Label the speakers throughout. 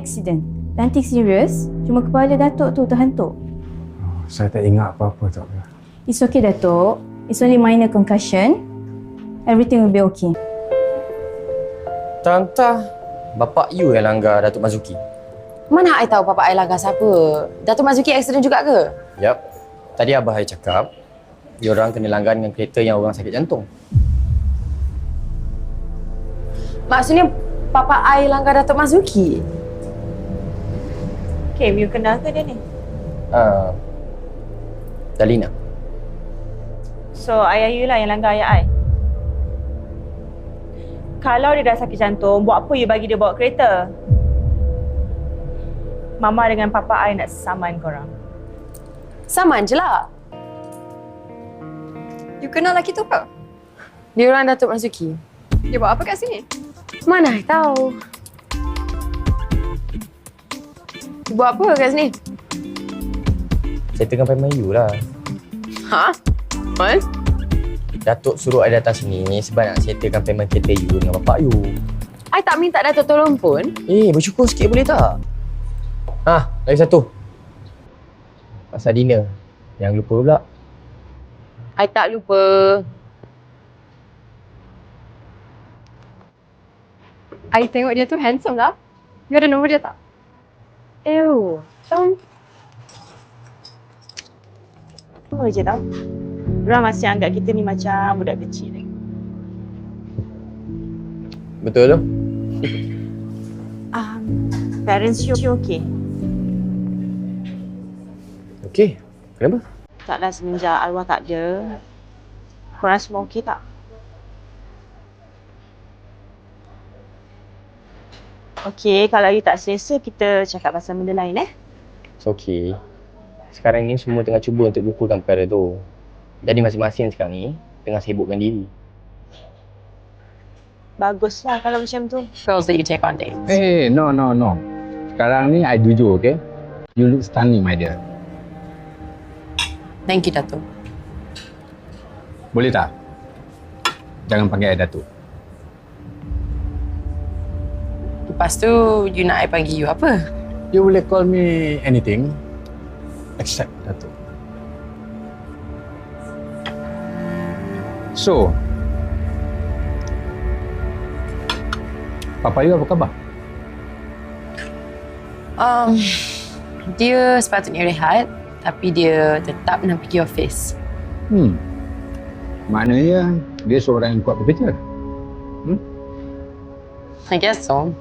Speaker 1: accident. Nothing serious, cuma kepala Datuk tu terhentuk.
Speaker 2: Saya tak ingat apa-apa tak.
Speaker 1: It's okay, Datuk. It's only minor concussion. Everything will be okay.
Speaker 3: Tanta, bapak you yang langgar Datuk Mazuki.
Speaker 4: Mana I tahu Papa I langgar siapa? Datuk Mazuki accident juga ke?
Speaker 3: Yap. Tadi abah I cakap, diorang kena langgar dengan kereta yang orang sakit jantung.
Speaker 4: Maksudnya Papa I langgar Datuk Mazuki?
Speaker 5: Okay, you kenal ke dia ni?
Speaker 3: Dalina.
Speaker 5: So, ayah you lah yang langgar ayah I. Kalau dia dah sakit jantung, buat apa you bagi dia bawa kereta? Mama dengan Papa I nak saman korang.
Speaker 4: Saman je lah.
Speaker 6: You kenal lelaki tu ke?
Speaker 4: Dia orang Datuk Mazuki.
Speaker 6: Dia buat apa kat sini?
Speaker 4: Mana I tahu. Dia buat apa kat sini?
Speaker 3: Settlekan payment you lah.
Speaker 4: Ha? What?
Speaker 3: Datuk suruh I datang sini sebab nak settlekan payment kereta you dengan bapak you.
Speaker 4: I tak minta Datuk tolong pun.
Speaker 3: Bersyukur sikit boleh tak? Lagi satu. Pasal dinner. Jangan lupa pula.
Speaker 4: I tak lupa.
Speaker 6: I tengok dia tu handsome lah. You ada nombor dia tak?
Speaker 4: Ew.
Speaker 5: Apa je tau. Diorang masih anggap kita ni macam budak kecil lagi.
Speaker 3: Betul tu?
Speaker 5: Parents you okay?
Speaker 3: Okey. Kenapa?
Speaker 5: Taklah semenjak arwah tak ada. Korang semua okay tak? Okay, kalau you tak selesa, kita cakap pasal benda lain
Speaker 3: It's okay. Sekarang ni semua tengah cuba untuk lupakan perkara tu. Jadi masing-masing sekarang ni tengah sibukkan diri.
Speaker 5: Baguslah kalau macam tu.
Speaker 4: Girls that you take on dates.
Speaker 2: No. Sekarang ni I jujur, okay? You look stunning, my dear.
Speaker 4: Thank you, Datuk.
Speaker 2: Boleh tak? Jangan panggil I Datuk.
Speaker 4: Lepas tu, you nak I panggil you apa?
Speaker 2: You boleh call me anything except Datuk. So, Papa you apa khabar?
Speaker 4: Dia sepatutnya rehat, tapi dia tetap nak pergi office.
Speaker 2: Maknanya dia seorang yang kuat bekerja.
Speaker 4: I guess so.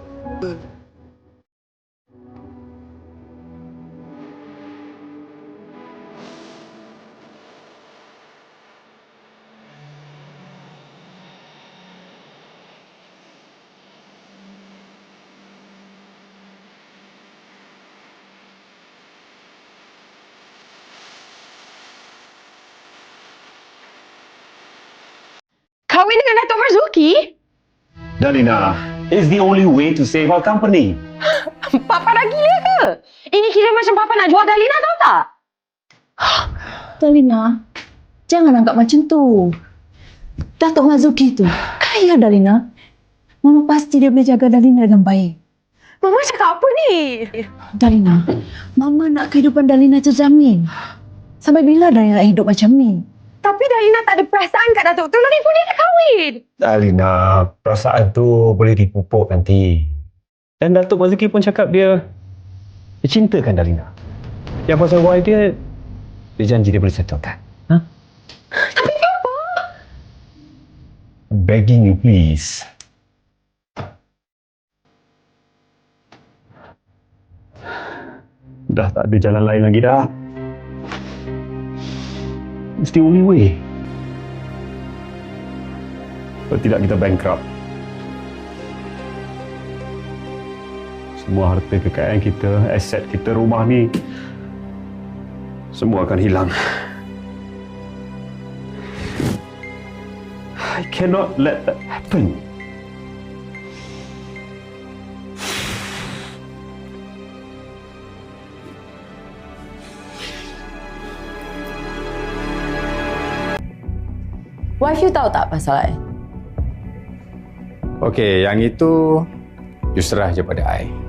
Speaker 5: Kahwin dengan Datuk Marzuki?
Speaker 7: Dalina, it's the only way to save our company.
Speaker 4: Papa dah gila ke? Ini kira macam Papa nak jual Dalina, tahu tak?
Speaker 1: Dalina, jangan anggap macam tu. Datuk Mazuki tu kaya, Dalina. Mama pasti dia boleh jaga Dalina dengan baik.
Speaker 4: Mama cakap apa ni?
Speaker 1: Dalina, Mama nak kehidupan Dalina terjamin. Sampai bila Dalina hidup macam ni?
Speaker 4: Tapi Dalina tak ada perasaan kat Datuk tu. Lagi pun dia dah kahwin.
Speaker 7: Dalina, perasaan tu boleh dipupuk nanti. Dan Datuk Mazuki pun cakap dia cintakan Dalina. Yang pasal wife dia janji dia boleh settlekan.
Speaker 4: Tapi kenapa?
Speaker 7: Begging you please. Dah tak ada jalan lain lagi dah. It's the only way. Kalau tidak kita bankrupt. Semua harta kekayaan kita, aset kita, rumah ni semua akan hilang. I cannot let that happen.
Speaker 4: Wife you tahu tak pasal I?
Speaker 2: Okey, yang itu you serah je pada I.